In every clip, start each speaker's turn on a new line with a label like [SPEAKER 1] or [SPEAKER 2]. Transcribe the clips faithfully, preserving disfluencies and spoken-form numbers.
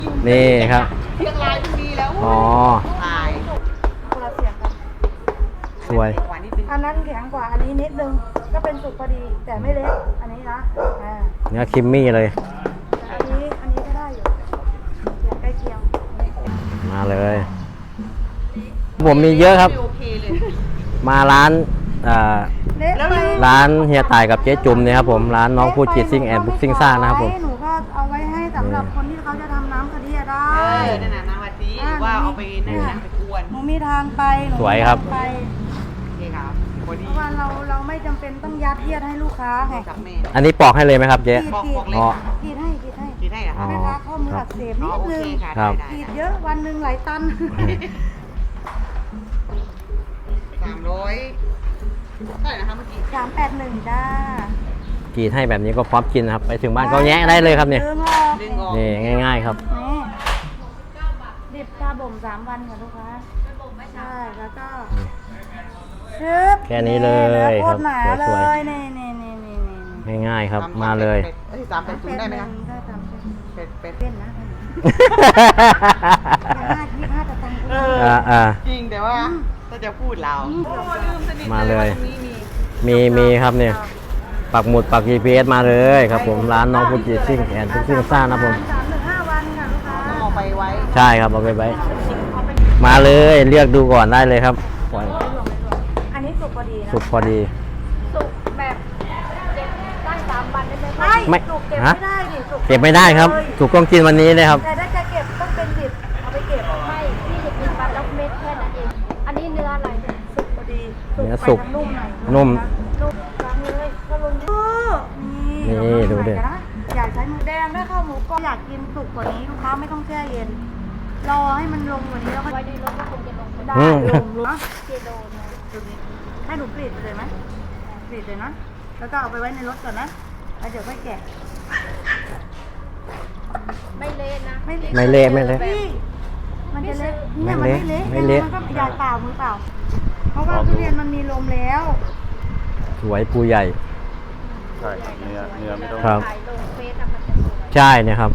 [SPEAKER 1] นี่ครับ
[SPEAKER 2] เชียงรายมันมีแล้ว
[SPEAKER 1] อ๋อ
[SPEAKER 2] ตาย
[SPEAKER 3] คนละเสียงกัน
[SPEAKER 1] สวย
[SPEAKER 2] หวานนิดนึง
[SPEAKER 3] อันนั้นแข็งกว่าอันนี้นิดนึงก็เป็นสุกพอดีแต่ไม่เล็กอันนี้นะอ่า
[SPEAKER 1] เนื้อคิมมี่เลย
[SPEAKER 3] อันนี้อันนี้ก็ได้อยู่อย่างใกล้เคียง
[SPEAKER 1] มาเลย ผมมีเยอะครับ
[SPEAKER 2] โอเคเลย
[SPEAKER 1] มาร้านอ่า
[SPEAKER 3] เละไป
[SPEAKER 1] ร้านเฮียต่ายกับเจ๊จุ่มเนี่ยครับผมร้านน้องพูดจิตซิ่งแอนด์บุ๊กซิ่งซ่านะครับผม
[SPEAKER 3] หนูก็เอาไว้ให้สำหรับคนที่เขาจะทำน้ำกะทิอะได้
[SPEAKER 2] เออนั่นน่ะน้ำกะทิหรือว่าเอาไปนั่นนะไปกวน
[SPEAKER 3] หนูมีทางไปหนู
[SPEAKER 1] สวยครับ
[SPEAKER 3] มีทางไป
[SPEAKER 2] โอเคครับพอ
[SPEAKER 3] เพ
[SPEAKER 2] ดี
[SPEAKER 3] ราะว่าเราเราไม่จำเป็นต้องยัดเยียดให้ลูกค้าไง
[SPEAKER 2] กับแม่
[SPEAKER 1] อันนี้ปอกให้เลยไหมครับเจ๊
[SPEAKER 3] ขีด
[SPEAKER 2] บอก
[SPEAKER 3] ขี
[SPEAKER 2] บอก
[SPEAKER 3] ด
[SPEAKER 2] เลย
[SPEAKER 1] อ๋อ
[SPEAKER 2] ค่ะ
[SPEAKER 3] ขีดให้ขีดให้
[SPEAKER 2] กินได้เหรอ
[SPEAKER 1] อ๋
[SPEAKER 2] คะ
[SPEAKER 1] อ
[SPEAKER 3] แม่ค้าข้อมืออักเสบ
[SPEAKER 2] อ๋
[SPEAKER 3] นิ
[SPEAKER 2] อ
[SPEAKER 3] ด
[SPEAKER 2] โอ
[SPEAKER 3] นึ
[SPEAKER 2] เค
[SPEAKER 3] ง
[SPEAKER 2] ค่ะ
[SPEAKER 1] ครั
[SPEAKER 2] ได้
[SPEAKER 1] บ
[SPEAKER 2] ได้
[SPEAKER 3] ขีดเยอะวันหนึ่งหลายตัน
[SPEAKER 2] สามร้อยเท่าไหร่นะคะเมื่อกี้
[SPEAKER 3] สามแปดหนึ่งจ้าก
[SPEAKER 1] รีดให้แบบนี้ก็พร้อมกินนะครับ ไปถึงบ้านก็แงะได้เลยครับเนี่ย
[SPEAKER 3] ดึงออก
[SPEAKER 2] ดึงออก
[SPEAKER 1] นี่ง่ายๆครับ
[SPEAKER 3] นี่ดิบชาบ่มสามวันค่ะลูกค้าใช่แล้วก็ชึบ
[SPEAKER 1] แค่นี้เลย
[SPEAKER 3] โคตรหนา
[SPEAKER 1] ครับ
[SPEAKER 3] เล
[SPEAKER 1] สวย
[SPEAKER 3] ยนี่นี่นี่นี่นี่
[SPEAKER 1] ง่ายๆครับ
[SPEAKER 2] ส
[SPEAKER 1] มาเลย
[SPEAKER 2] เป็ดเอ้ยสามเป็ดศูนย์ได้ไหมคะ
[SPEAKER 3] ได้ตามเส้น
[SPEAKER 2] เป็ดเป็ด
[SPEAKER 3] เส้นนะอย่าห้ายี่ห้าจะตังค์
[SPEAKER 2] เออ
[SPEAKER 1] อ่าอ่า
[SPEAKER 2] จริงแต่ว่าถ้าจะพูดเราโอ้ลืมสนิท
[SPEAKER 1] มาเลย
[SPEAKER 2] ว่าตรงนี้มี
[SPEAKER 1] มีมีครับเนี่ย ปักหมุดปัก จี พี เอส มาเลยครับผมร้านน้องพูดจิตซิ่งแอนด์บุ๊กซิ่งซ่านะครับผม
[SPEAKER 3] สามถึงห้าวันค่ะลูกค้า
[SPEAKER 2] ต้องเอาไปไว้
[SPEAKER 1] ใช่ครับเอาไปไว้มาเลยเลือกดูก่อนได้เลยครับปล่อย
[SPEAKER 3] อันนี้สุกพอดีนะ
[SPEAKER 1] สุกพอดี
[SPEAKER 3] สุกแบบเก็บได้สามวันได้ไหม
[SPEAKER 1] ไม่
[SPEAKER 3] สุกเก็บ
[SPEAKER 1] ฮะ
[SPEAKER 3] ไม่ได้ดิสุก
[SPEAKER 1] เก็บไม่ได้ครับสุกต้องกินวันนี้เลยครับ
[SPEAKER 3] แต่ถ้าจะเก็บต้องเป็นดิบเอาไปเก็บ
[SPEAKER 4] ไม่พี่จะกินปลาล็อกเม็ดแค่นั้นเอง อันนี้เนื้ออะไร
[SPEAKER 3] สุกพอดี
[SPEAKER 1] เนื้อสุก
[SPEAKER 3] ไปทางนุ่มหน่อย
[SPEAKER 1] นุ่ม
[SPEAKER 3] นุ่มล้างเลยก็ลงดินี่
[SPEAKER 1] นี่ดูดิ
[SPEAKER 3] นะอยากใช้หมูแดงด้วยข้าวหมูก็อยากกินสุกกว่านี้ลูกค้าไม่ต้องแช่เย็นรอให้มันลงกว่านี้แล้วก็
[SPEAKER 4] ไว้ในรถก็คงจะลงไป
[SPEAKER 3] ได้
[SPEAKER 4] ได้
[SPEAKER 3] ลงลง
[SPEAKER 4] กิโลนึง
[SPEAKER 3] ให้หนูกรีดไปเลยไหมกรีดเลยนะแล้วก็เอาไปไว้ในรถก่อนนะแล้วเดี๋ยวค่อยแกะ
[SPEAKER 4] ไม่เละนะ
[SPEAKER 3] ไม่
[SPEAKER 1] ไม่เละไม่เละ
[SPEAKER 3] พี่มันจะเละเนี่ย
[SPEAKER 1] ไม่
[SPEAKER 3] มัน
[SPEAKER 1] เละ
[SPEAKER 3] ไม่เละ
[SPEAKER 1] ไม่เละ
[SPEAKER 3] มันก็ยายเปล่ามือเปล่า เพราะว่าทุเรียนมันมีลมแล้ว
[SPEAKER 1] สวยปูใหญ่
[SPEAKER 5] ใช่ครับเนื้อเนื้อไม่ต้อง
[SPEAKER 1] ครับ
[SPEAKER 4] ถ่ายลงเฟซอะมันจะสวย
[SPEAKER 1] ใช่เนี่ยครับ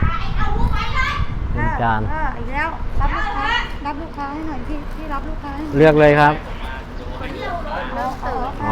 [SPEAKER 1] เป็นจาน
[SPEAKER 3] เอออีกแล้วรับลูกค้ารับลูกค้าให้หน่อยพี่พี่รับลูกค้าให้หน่อย
[SPEAKER 1] เลือกเลยครับ
[SPEAKER 3] เอาเอา
[SPEAKER 1] อ๋อ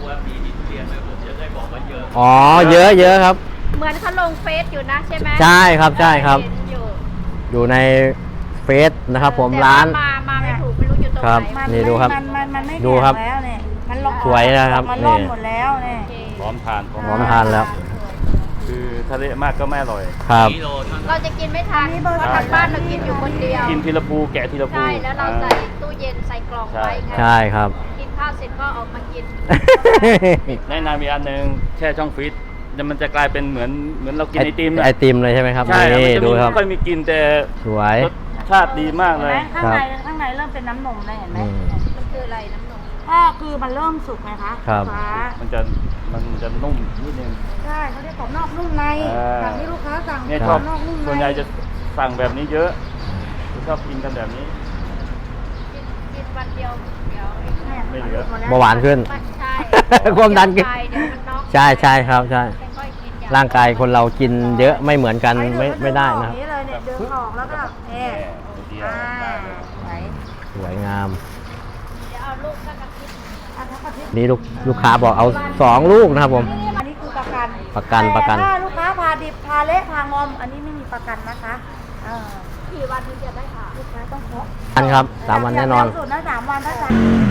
[SPEAKER 3] เอา
[SPEAKER 1] อ๋อเยอะเยอะครับ
[SPEAKER 4] เหมือนเขาลงเฟซอยู่นะใช่ไหม
[SPEAKER 1] ใช่ครับใช่ครับ
[SPEAKER 4] เห็นอยู่
[SPEAKER 1] อยู่ในเฟซนะครับผม
[SPEAKER 4] แต่
[SPEAKER 1] ร้าน
[SPEAKER 4] มามาไม่ถูกไม่รู้อยู่ตรง
[SPEAKER 1] ครับ
[SPEAKER 4] ไหน
[SPEAKER 3] มัน
[SPEAKER 1] นี่ดูครับ
[SPEAKER 3] มันมันมันไม่
[SPEAKER 1] ดู
[SPEAKER 3] แข็ง
[SPEAKER 1] ครับ
[SPEAKER 3] แล้วเนี่ยมันลง
[SPEAKER 1] สวยนะครับ
[SPEAKER 3] มันล่อน
[SPEAKER 1] นี่
[SPEAKER 3] หมดแล้วเนี่ย
[SPEAKER 4] โอเค
[SPEAKER 5] พร้อมทานพร้อม
[SPEAKER 1] พร้อมทานแล้ว
[SPEAKER 5] คือทะเลมากก็ไม่อร่อย
[SPEAKER 1] ครับ
[SPEAKER 4] เราจะกินไม่ทันเพราะทางบ้านเรากินอยู่คนเดียว
[SPEAKER 5] กินทีละภูแกะทีละภู
[SPEAKER 4] ใช่แล้วเราใส่ตู้เย็นใส่กล่องไว้ไง
[SPEAKER 1] ใช่ครับ
[SPEAKER 4] กินข้าวเสร็จก็ออกมากิน
[SPEAKER 5] แนะนำอีกอันหนึ่งแช่ช่องฟรีซแล้วมันจะกลายเป็นเหมือนเหมือนเรากินไอติม
[SPEAKER 1] ไอติมเลยใช่ไหมครับ
[SPEAKER 5] ใช่ครับ
[SPEAKER 1] นี่
[SPEAKER 5] มันจะ
[SPEAKER 1] ดู
[SPEAKER 5] มี
[SPEAKER 1] ครับ
[SPEAKER 5] ไม่ค่อยมีกลินแต่
[SPEAKER 1] สวย
[SPEAKER 5] รสชาติดีมาก
[SPEAKER 3] เห็น
[SPEAKER 5] เล
[SPEAKER 3] ไหม
[SPEAKER 5] ย
[SPEAKER 3] ข้างในข้างในเริ่มเป็นน้ำนมแล้วเห็นไหม
[SPEAKER 1] อืม
[SPEAKER 4] มันคืออะไรน้ำนม
[SPEAKER 3] ก็คือมันเริ่มสุกไงคะ
[SPEAKER 1] ครับ
[SPEAKER 3] ฟ้า
[SPEAKER 5] มันจะมันจะนุ่มนิดนึง
[SPEAKER 3] ใช่เขาเรียกกรอบนอกนุ่มใน
[SPEAKER 5] อ่า
[SPEAKER 3] แบบที่ลูกค้าสั่ง
[SPEAKER 5] เนี่ย
[SPEAKER 3] ก
[SPEAKER 5] ช
[SPEAKER 3] ร
[SPEAKER 5] อ
[SPEAKER 3] อ
[SPEAKER 5] บบ
[SPEAKER 3] นอกนุ่มใน
[SPEAKER 5] ส่วนใหญ่จะสั่งแบบนี้เยอะชอบกินกันแบบนี้
[SPEAKER 4] กินกินวันเดียวเดี๋ยวไอ้
[SPEAKER 3] เนี่ย
[SPEAKER 5] ไม่เหลือ
[SPEAKER 3] ดแล้
[SPEAKER 1] เบาหวานขึ้น
[SPEAKER 4] ไม่ใช่
[SPEAKER 1] ความดันขึ้น
[SPEAKER 4] เดี๋ยวมันน็อก
[SPEAKER 1] ใช่ใช่ครับใช่
[SPEAKER 4] ค่อยๆกินอย่
[SPEAKER 1] ร่างกายคนเรากินเยอะไม่เหมือนกันไม่ไม่ได้นะค
[SPEAKER 3] ค
[SPEAKER 1] รั
[SPEAKER 3] รับบ เลยเนี่ยดึงออกแล้วก็เอ๊ะ
[SPEAKER 5] เดียว
[SPEAKER 3] อ่า
[SPEAKER 5] ได้เลย
[SPEAKER 3] ไหน
[SPEAKER 1] สวยงาม
[SPEAKER 4] เดี๋ยวเอาลูกก็กระพริบ
[SPEAKER 3] อันทักอาทิตย์
[SPEAKER 1] นี่ลูกลูกค้าบอกเอาสองลูกนะครับผม
[SPEAKER 3] อันนี้คือประกัน
[SPEAKER 1] ประกันประกัน
[SPEAKER 3] แต่ถ้าลูกค้าพาดิบพาเละพางอม อันนี้ไม่มีประกันนะคะเออ
[SPEAKER 4] กี่วันถึงจะได้ผ่า
[SPEAKER 3] ลูกค้าต้องเคาะ
[SPEAKER 1] อันครับสามวันแน่นอน
[SPEAKER 3] ย่างเร็วสุดนะสามวันถ้าสั่ง